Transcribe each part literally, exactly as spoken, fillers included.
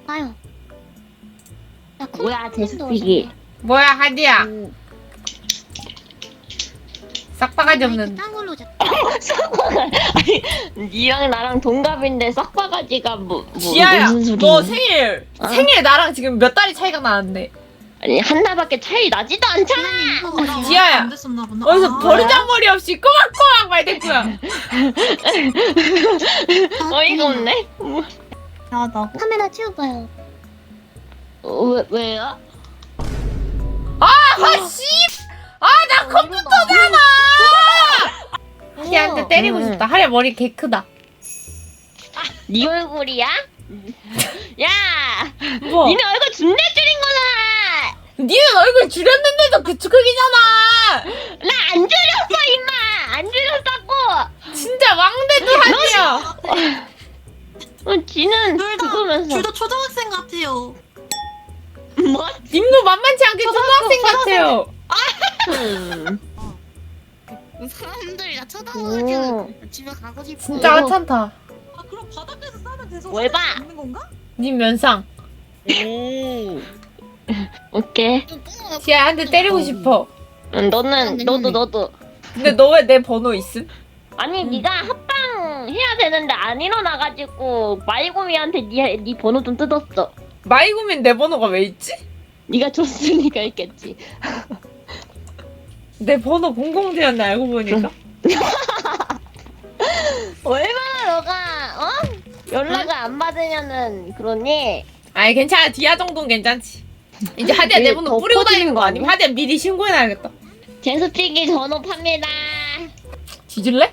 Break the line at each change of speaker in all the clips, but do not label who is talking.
아유. 야,
뭐야,
콩콩님도
제스픽이.
오셨네.
뭐야 하디야.
음.
싹바가지
마이크
없는.
딴 걸로 줬다.
아니, 니랑 나랑 동갑인데 싹바가지가 뭐, 뭐
지아야,
무슨
너
소리야?
생일
어?
생일 나랑 지금 몇 달이 차이가 나는데.
아니, 하나밖에 차이 나지도 않잖아.
지아님 이거
지아야.
안 됐었나 보다.
어디서
아,
버르장머리 없이 꼬막꼬막 말대꾸야.
어이가 없네.
야하다고.
카메라 치워봐요.
어, 왜, 왜요?
아씨, 아나 컴퓨터잖아. 하디한테 때리고
응.
싶다. 하디야 머리 개 크다.
네 얼굴이야? 야!
뭐?
니네 얼굴 준내 줄인 거잖아!
니는 얼굴 줄였는데도 그 크기잖아.
나 안 줄였어, 임마! 안 줄였다고!
진짜 왕대도 하디야.
어, 지는 그거면서.
둘다 초등학생 같아요.
뭐?
님도 만만치 않게 초등학생 같아요.
음.
사람들이 나
오.
쳐다보니까 집에 가고 싶어.
진짜
오.
하찮다.
아 그럼 바닥에서 싸면 계속
뭘 봐?
있는 건가?
님 면상.
오. 오케이.
지아야 한 대 때리고 싶어.
응, 너는, 너도, 너도.
근데 너 왜 내 번호 있음?
아니,
음.
네가 합방 해야 되는데 안 일어나가지고 마이고미한테 네, 네 번호 좀 뜯었어.
마이구민 내 번호가 왜 있지?
네가 줬으니까 있겠지.
내 번호 공공지였네 알고 보니까.
얼마나 너가 어? 연락을 안 받으면은 그러니?
아이 괜찮아. 디아 정도는 괜찮지. 이제 하디야 내
이게
번호
더
뿌리고
퍼지는
다니는 거
거
아니면
아니야?
하디야 미리 신고해놔야겠다.
제수피기 전호 팝니다.
뒤질래?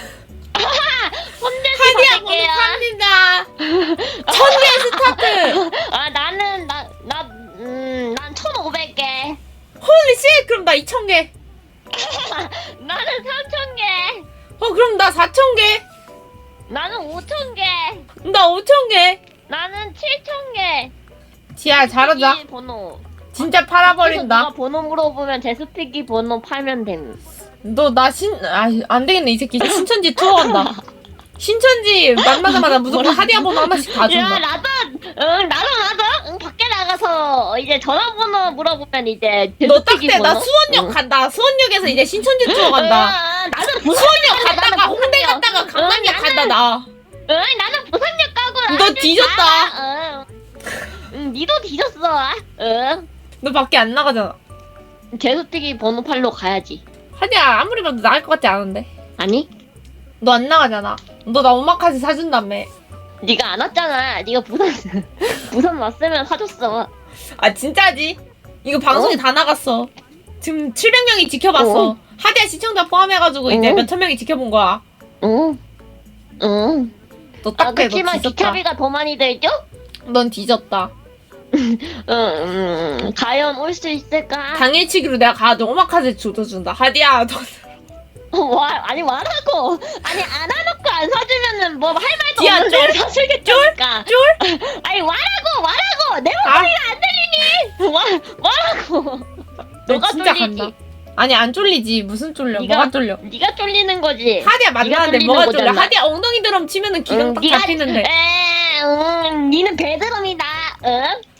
혼자서
하디야 번호
받을게요.
팝니다. 천 개 스타트.
아 나는 나 나 음 난 천오백 개.
홀리 씨 그럼 나 이천 개.
나는 삼천 개.
어 그럼 나 사천 개.
나는 오천 개.
나 오천 개.
나는 칠천 개.
지아 잘하자.
제수피기 번호.
진짜
그래서
팔아버린다.
누가 번호 물어보면 제수피기 번호 팔면 됨.
너 나 신, 아, 안 되겠네. 이 새끼 신천지 투어 간다. 신천지 만나자마자 무조건 하디야 번호 하나씩 다
야
준다.
나도 응 나도 나도 응 밖에 나가서 이제 전화번호 물어보면 이제
너 딱
제수피기
때 나
번호?
수원역
응.
간다. 수원역에서 이제 신천지 투어 간다.
응, 나는
수원역
부산역
갔다가 홍대 갔다가 강남역
응,
간다 나.
응 나는 부산역 가고
너
나는
뒤졌다.
가. 응. 응 니도 뒤졌어. 응
너 밖에 안 나가잖아.
제수피기 번호 팔로 가야지.
하디야 아무리 봐도 나갈 것 같지 않은데.
아니
너 안 나가잖아. 너 나 오마카세 사준다며.
네가 안 왔잖아. 네가 부산 부산 왔으면 사줬어.
아 진짜지? 이거 방송에
어?
다 나갔어. 지금 칠백 명이 지켜봤어.
어?
하디야 시청자 포함해가지고 이제
어?
몇천 명이 지켜본 거야.
응 응.
너
아
딱해. 너
그렇지만
뒤졌다.
기차비가 더 많이 들죠?
넌 뒤졌다.
응, 응, 과연 올 수 있을까?
당일치기로 내가 가도 오마카세 줘준다. 하디야, 너
어, 와, 아니, 와라고! 아니, 안 와놓고 안 사주면은 뭐 할 말도
디아,
없는데
쫄?
사주겠다니까.
쫄?
아니, 와라고! 와라고! 내
아,
목소리가 안 들리니! 와, 와라고!
너
너가
진짜
쫄리지?
간다. 아니 안 쫄리지. 무슨 쫄려?
네가-
뭐가 쫄려?
네가 쫄리는 거지?
하디야 만나는데
쫄리는
뭐가 쫄려?
거잖아.
하디야 엉덩이 드럼 치면은 기강
응,
딱
네가-
잡히는데.
에, 응, 니는 배드럼이다. 응?